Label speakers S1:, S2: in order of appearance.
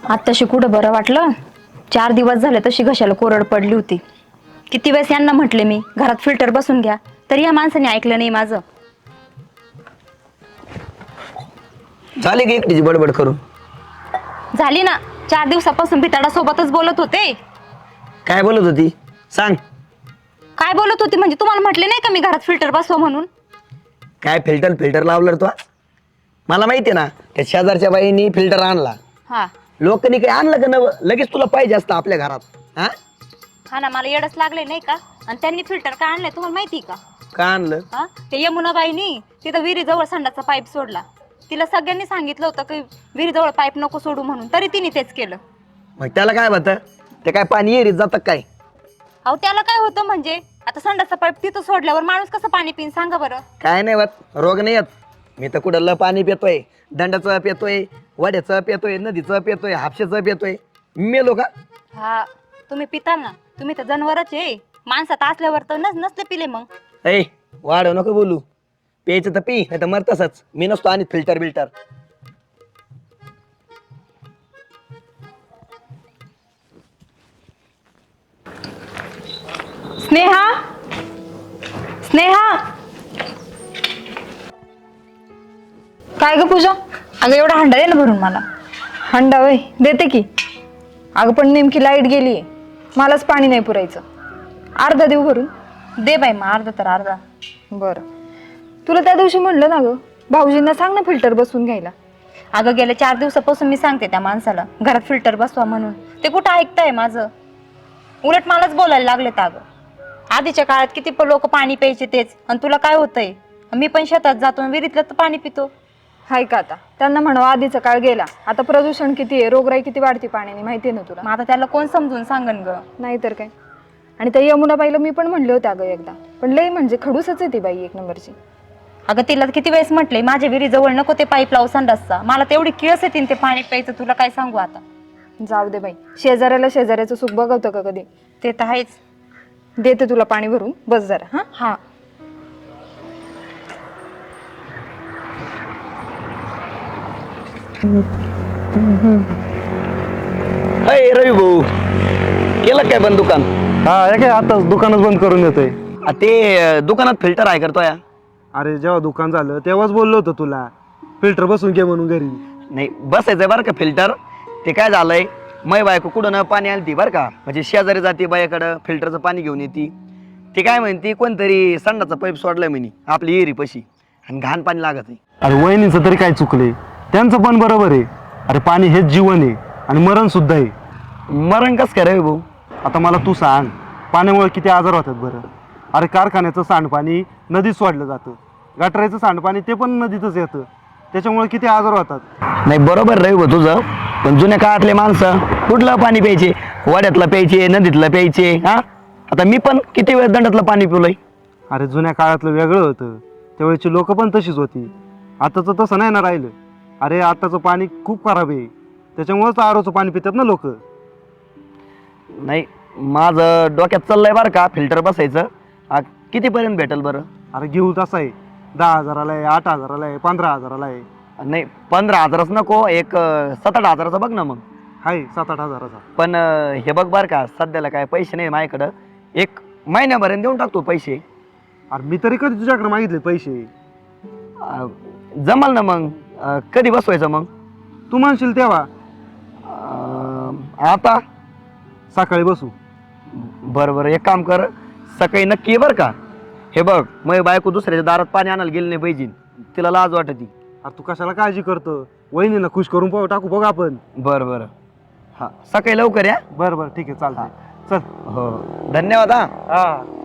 S1: आत्ताशी कुठं बरं वाटलं. 4 दिवस झाले तशी घशाला कोरड पडली होती. किती वेळेस यांना म्हटले मी घरात फिल्टर बसून घ्या, तरी या माणसाने ऐकलं नाही माझं.
S2: झाली की एकटीची बडबड करून?
S1: झाली ना. 4 दिवसापासून भिताडा सोबतच बोलत होते.
S2: काय बोलत होती सांग?
S1: काय बोलत होती म्हणजे तुम्हाला म्हटले नाही का मी घरात फिल्टर बसवा म्हणून?
S2: काय फिल्टर लावलं रे तू? मला माहितीये ना, त्या शेजारच्या बाईनी फिल्टर आणला.
S1: हा
S2: लोकांनी काही आणलं का नवं? लगेच तुला पाहिजे असतं आपल्या घरात. हा
S1: हा ना, मला येडच लागले नाही का. आणि त्यांनी फिल्टर का आणलंय तुम्हाला माहिती का?
S2: का आणलं?
S1: हा ते यमुनाबाईनी तिथं विहिरीजवळ संडाचा पाईप सोडला. तिला सगळ्यांनी सांगितलं होतं की विहिरीजवळ पाईप नको सोडू म्हणून, तरी तिने तेच केलं.
S2: मग त्याला काय होतं? ते काय पाणी येरीत जातं काय?
S1: अहो त्याला काय होतं म्हणजे, आता संडाचा पाईप तिथं सोडल्यावर माणूस कसं पाणी पिन सांगा बरं.
S2: काय नाही होत, रोग नाही येत. मी तर कुठलं पाणी पितोय, दंडाचं पितोय, वड्याचं पितोय, नदीचं पितोय, हापशेचं पितोय. मेलो का?
S1: हा तुम्ही पिताल ना, तुम्ही तर जनावरच आहे. माणसात असल्यावर तर नसले पिले मग.
S2: ऐ वाढव नको बोलू. प्यायचं तर पी, नाही तर मर तसंच. मी नसतो आणि फिल्टर.
S1: स्नेहा स्नेहा
S3: काय ग पूजा?
S1: अगं एवढा हंडा दे ना भरून मला.
S3: हंडा वय देते की. अगं पण नेमकी लाईट गेलीये, मलाच पाणी नाही पुरायचं. अर्धा देऊ भरून?
S1: दे बाई मग अर्धा तर अर्धा.
S3: बरं. तुला त्या दिवशी म्हणलं ना ग, भाऊजींना सांग ना फिल्टर बसवून घ्यायला.
S1: अगं गेल्या 4 दिवसापासून मी सांगते त्या माणसाला घरात फिल्टर बसवा म्हणून. ते कुठं ऐकताय माझं? उलट मलाच बोलायला लागलेत. अगं आधीच्या काळात किती लोक पाणी प्यायचे तेच, आणि तुला काय होतंय? मी पण शेतात जातो, विहिरीतलं तर पाणी पितो.
S3: हाय का आता? त्यांना म्हणावं आधीचा काळ गेला, आता प्रदूषण किती आहे, रोगराई किती वाढती पाण्याने, माहितीये ना तुला.
S1: मग आता त्याला कोण समजून सांगन ग?
S3: नाहीतर काय. आणि त्या यमुनाबाईला मी पण म्हणले होते अगं एकदा, पण लई म्हणजे खडूसच आहे ती बाई, 1 नंबरची.
S1: अगं तिला किती वेळेस म्हटलंय माझ्या विहिरीजवळ नको ते पाईप लावू संडासचा. मला तेवढी किळस येते ते पाणी प्यायचं, तुला काय सांगू आता.
S3: जाऊ दे बाई, शेजाऱ्याला शेजाऱ्याचं सुख बघवतं का कधी?
S1: ते तर आहेच.
S3: देते तुला पाणी भरून, बस जरा. हा
S1: हा
S2: अय रवी भाऊ, केलं काय बंद दुकान?
S4: हा हे काय आता दुकानच बंद करून येतोय.
S2: ते दुकानात फिल्टर आहे करतोय.
S4: अरे जेव्हा दुकान झालं तेव्हाच बोललो होतो तुला फिल्टर बसून घे म्हणून घरी.
S2: नाही बसायचंय बरं का फिल्टर. ते काय झालंय, मै बायको कुठं ना पाणी आणती बरं का, म्हणजे शेजारी जाते बायाकडं फिल्टरचं पाणी घेऊन येते. ती काय म्हणती कोणतरी संडाचा पाईप सोडलाय म्हणे आपली एरी पशी, आणि घाण पाणी लागत आहे.
S4: अरे वहिनीचं तरी काय चुकले, त्यांचं पण बरोबर आहे. अरे पाणी हेच जीवन आहे आणि मरण सुद्धा आहे.
S2: मरण कस काय रवी भाऊ?
S4: आता मला तू सांग, पाण्यामुळे किती आजार होतात बरं. अरे कारखान्याचं सांडपाणी नदीत सोडलं जातं, गटाराचं सांडपाणी ते पण नदीतच येतं, त्याच्यामुळे किती आजार होतात.
S2: नाही बरोबर रवी भाऊ तुझं, पण जुन्या काळातले माणसं कुठलं पाणी प्यायचे? वड्यातलं प्यायचे, नदीतलं प्यायचे. हा आता मी पण किती वेळ दंडातलं पाणी पिवलंय.
S4: अरे जुन्या काळातलं वेगळं होतं, त्यावेळेची लोक पण तशीच होती. आताचं तसं नाही ना राहिलं. अरे आताचं पाणी खूप खराब आहे, त्याच्यामुळेच आरोचं पाणी पितात ना लोक.
S2: नाही माझं डोक्यात चाललंय बरं का फिल्टर बसायचं. कितीपर्यंत भेटेल बरं?
S4: अरे घेऊ तसा आहे, 10,000ला आहे, 8,000ला आहे, 15,000ला आहे.
S2: नाही 15,000च नको, एक 7-8 हजाराचं बघ ना मग.
S4: आहे 7-8 हजाराचा.
S2: पण हे बघ बरं का, सध्याला काय पैसे नाही माझ्याकडं, 1 महिन्याभराने देऊन टाकतो पैसे.
S4: अरे मी तरी कधी तुझ्याकडे मागितले पैसे?
S2: जमल ना मग. कधी बसवायचं मग?
S4: तू म्हणशील तेव्हा.
S2: आता
S4: सकाळी बसू.
S2: बरं एक काम कर, सकाळी नक्की ये बरं का. हे बघ मग बायको दुसऱ्याच्या दारात पाणी आणायला गेली नाही पाहिजे, तिला लाज वाटती.
S4: अरे तू कशाला काळजी करतो, वहिनीला खुश करून टाकू बघ आपण.
S2: बरं हां सकाळी लवकर या.
S4: बरं ठीक आहे चालतंय. चल.
S2: हो धन्यवाद. हा
S4: हा